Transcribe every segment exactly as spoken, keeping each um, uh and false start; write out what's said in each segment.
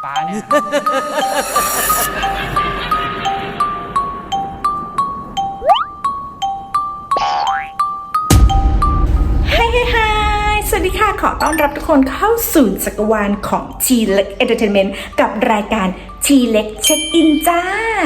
ฟ้าเนี่ยไฮไฮไฮสวัสดีค่ะขอต้อนรับทุกคนเข้าสู่จักรวาลของ ที เล็ก Entertainment กับรายการ ที เล็ก เช็คอินจ้า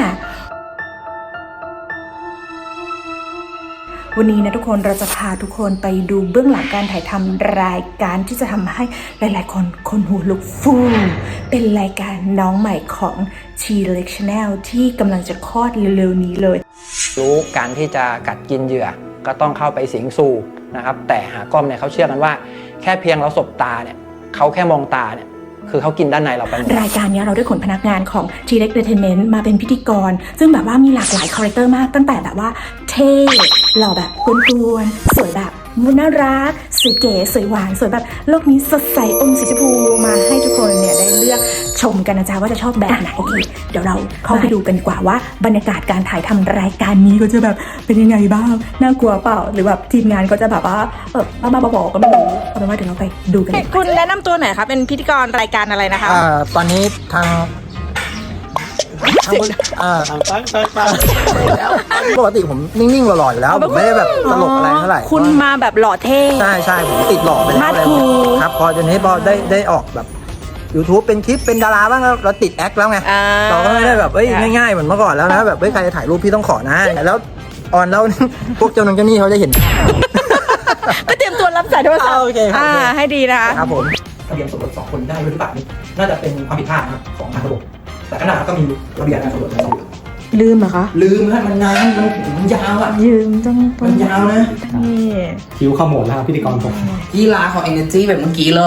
วันนี้นะทุกคนเราจะพาทุกคนไปดูเบื้องหลังการถ่ายทำรายการที่จะทำให้หลายๆคนคนหูลุกฟูเป็นรายการน้องใหม่ของ ที เล็ก Channel ที่กำลังจะคลอดเร็วๆนี้เลยรู้การที่จะกัดกินเหยื่อก็ต้องเข้าไปสิงสู่นะครับแต่หากล้อมเนี่ยเขาเชื่อกันว่าแค่เพียงเราสบตาเนี่ยเขาแค่มองตาเนี่ยคือเขากินด้านในเราไปหมดรายการนี้เราได้ขนพนักงานของ ที เล็ก Entertainment มาเป็นพิธีกรซึ่งแบบว่ามีหลากหลายคาแรคเตอร์มากตั้งแต่แบบว่าเท่หล่อแบบกวนๆสวยแบบน่ารักสวยเก๋สวยหวานสวยแบบโลกนี้สดใสอมสีชมพูมาให้ทุกคนเนี่ยได้เลือกชมกันนะจ๊ะว่าจะชอบแบบไหนโอเคเดี๋ยวเราเข้าไปดูกันดีกว่าว่าบรรยากาศการถ่ายทำรายการนี้ก็จะแบบเป็นยังไงบ้างน่ากลัวเปล่าหรือแบบทีมงานก็จะแบบว่าเออบ้าๆบอๆก็ไม่รู้เอาเป็นว่าเดี๋ยวเราไปดูกันคุณแนะนำตัวหน่อยครับเป็นพิธีกรรายการอะไรนะคะอ่าตอนนี้ทางทางอ่าตั้งตั้งตั้งปกติผมนิ่งๆหล่อๆอยู่แล้วผมไม่ได้แบบตลกอะไรเท่าไหร่คุณมาแบบหล่อเท่ใช่ใช่ผมติดหล่อไปแล้วเลยครับพอจนนี้พอได้ได้ออกแบบ YouTube เป็นคลิปเป็นดาราบ้างแล้วเราติดแอคแล้วไงเราก็ไม่ได้แบบเอ้ยง่ายๆเหมือนเมื่อก่อนแล้วนะแบบเฮ้ยใครจะถ่ายรูปพี่ต้องขอนะแล้วออนแล้วพวกเจ้าหนุ่มเจ้านี่เขาจะเห็นก็เตรียมตัวรับสายโทรศัพท์โอเคครับให้ดีนะคะครับผมทะเบียนสมรสสองคนได้หรือเปล่านี่น่าจะเป็นความผิดพลาดนะครับของทางระบบแต่ขนาดก็มีระเบียบการสมรสกันอยู่ลืมเหรอคะลืมฮะมันนานมันมันยาวอ่ะยืมต้องมันยาวนะนี่คิวขมวดแล้วพิธีกรผมกีฬาของ Energy แบบเมื่อกี้เลย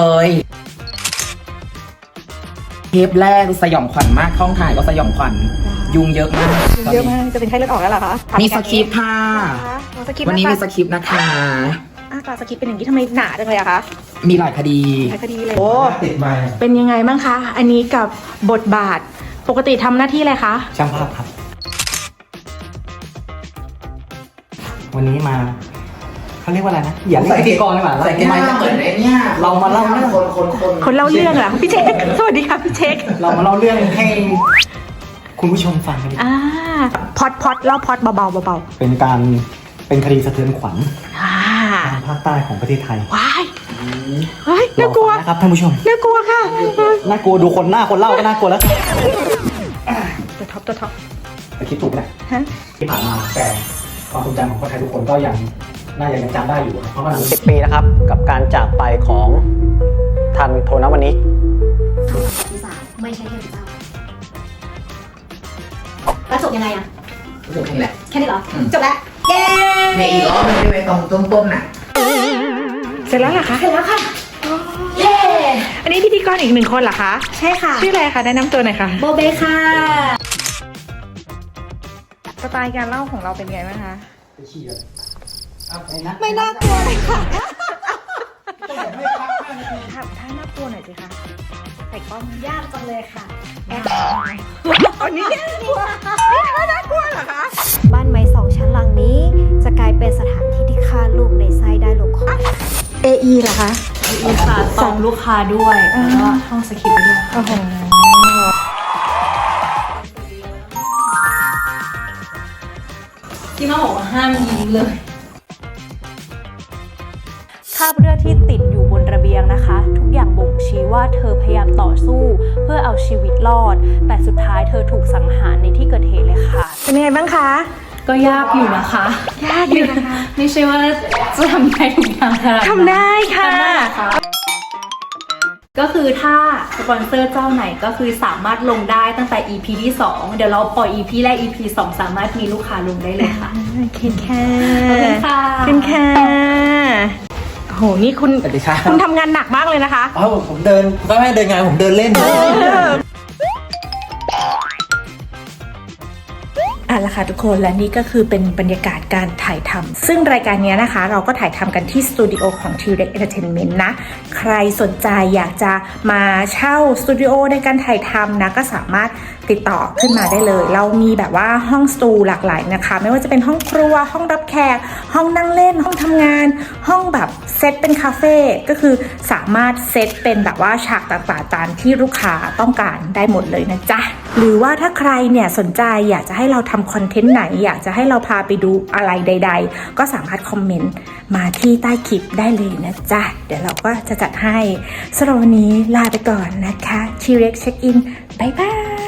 เทปแรกสยองขวัญมากห้องถ่ายก็สยองขวัญยุงเยอะมากเยอะมากจะเป็นไข้เลือดออกแล้วเหรอคะมีสคริปต์ค่ะวันนี้มีสคริปต์นะคะอ่าสคริปต์เป็นอย่างนี้ทำไมหนาจังเลยอะคะมีหลายคดีหลายคดีเลยโอ้เป็นยังไงบ้างคะอันนี้กับบทบาทปกติทำหน้าที่อะไรคะช่างภาพครับวันนี้มาเขาเรียกว่าอะไรนะอย่าเรียกพิธีกรดีกว่าใส่ไมค์เหมือนไอ้เนี่ยเรามาเล่าเรื่องคนคนคนคนเล่าเรื่องเหรอพี่เช็คสวัสดีค่ะพี่เช็คเรามาเล่าเรื่องให้คุณผู้ชมฟังกันอ่าพอดพอดเล่าพอดเบาๆเบาๆเป็นการเป็นคดีสะเทือนขวัญอ่าทางภาคใต้ของประเทศไทยว้ายเฮ้ยน่ากลัวนะครับท่านผู้ชมน่ากลัวค่ะน่ากลัวดูคนหน้าคนเล่าก็น่ากลัวแล้วตัวท็อปตัวท็อปแต่คิดถูกแหละที่ผ่านมาแต่ความทรงจำของคนไทยทุกคนก็ยังน่าจะยังจำได้อยู่เพราะว่าสิบปีนะครับกับการจากไปของทันโทนวนิกที่สามไม่ใช่เทพเจ้าแล้วจบยังไงอะจบแค่นี้แหละแค่นี้เหรอจบแล้วเย้ในอีกรอบนึงได้ไหมตรงต้นๆน่ะเสร็จแล้วเหรอคะเสร็จแล้วค่ะเย้อันนี้พิธีกรอีกหนึ่งคนเหรอคะใช่ค่ะชื่ออะไรคะแนะนำตัวหน่อยค่ะโบเบค่ะสไตล์การเล่าของเราเป็นไงบ้างคะไม่น่ากลัวเลยค่ะถ้าถ้าน่ากลัวหน่อยสิคะใส่กล้องยากจังเลยค่ะแอบอันนี้น่ากลัวน่ากลัวเหรอคะบ้านไม้สองชั้นหลังนี้จะกลายเป็นสถานที่ที่ฆ่าลูกในไส้ได้ลงคอเอ อี เหรอคะเอ อี ค่ะส่งลูกค้าด้วยแล้วก็ท่องสคริปต์ไปด้วยโอ้โหที่มาบอกว่าห้ามยิ้มเลยคราบเลือดที่ติดอยู่บนระเบียงนะคะทุกอย่างบ่งชี้ว่าเธอพยายามต่อสู้เพื่อเอาชีวิตรอดแต่สุดท้ายเธอถูกสังหารในที่เกิดเหตุเลยค่ะเป็นยังไงบ้างคะก็ยากอยู่นะคะยากอยู่นะคะไม่ใช่ว่าจะทำได้ทุกอย่างค่ะทำได้ค่ะก็คือถ้าสปอนเซอร์เจ้าไหนก็คือสามารถลงได้ตั้งแต่ อี พี ที่สองเดี๋ยวเราปล่อย อี พี แรก อี พี สองสามารถมีลูกค้าลงได้เลยค่ะเคนค่ะขอบคุณค่ะเคนค่ะโอ้โหนี่คุณคุณทำงานหนักมากเลยนะคะอ๋อผมเดินก็ไม่เดินงานผมเดินเล่นอ่ะละค่ะทุกคนและนี่ก็คือเป็นบรรยากาศการถ่ายทำซึ่งรายการนี้นะคะเราก็ถ่ายทำกันที่สตูดิโอของ ที เล็ก Entertainment นะใครสนใจอยากจะมาเช่าสตูดิโอในการถ่ายทำนะก็สามารถติดต่อขึ้นมาได้เลย เรามีแบบว่าห้องสตูหลากหลายนะคะไม่ว่าจะเป็นห้องครัวห้องรับแขกห้องนั่งเล่นห้องทำงานห้องแบบเซตเป็นคาเฟ่ก็คือสามารถเซตเป็นแบบว่าฉากต่างๆตามที่ลูกค้าต้องการได้หมดเลยนะจ๊ะหรือว่าถ้าใครเนี่ยสนใจอยากจะให้เราทำคอนเทนต์ไหนอยากจะให้เราพาไปดูอะไรใดๆก็สามารถคอมเมนต์มาที่ใต้คลิปได้เลยนะจ๊ะเดี๋ยวเราก็จะจัดให้สำหรับวันนี้ลาไปก่อนนะคะทีเร็กเช็คอินบ๊ายบาย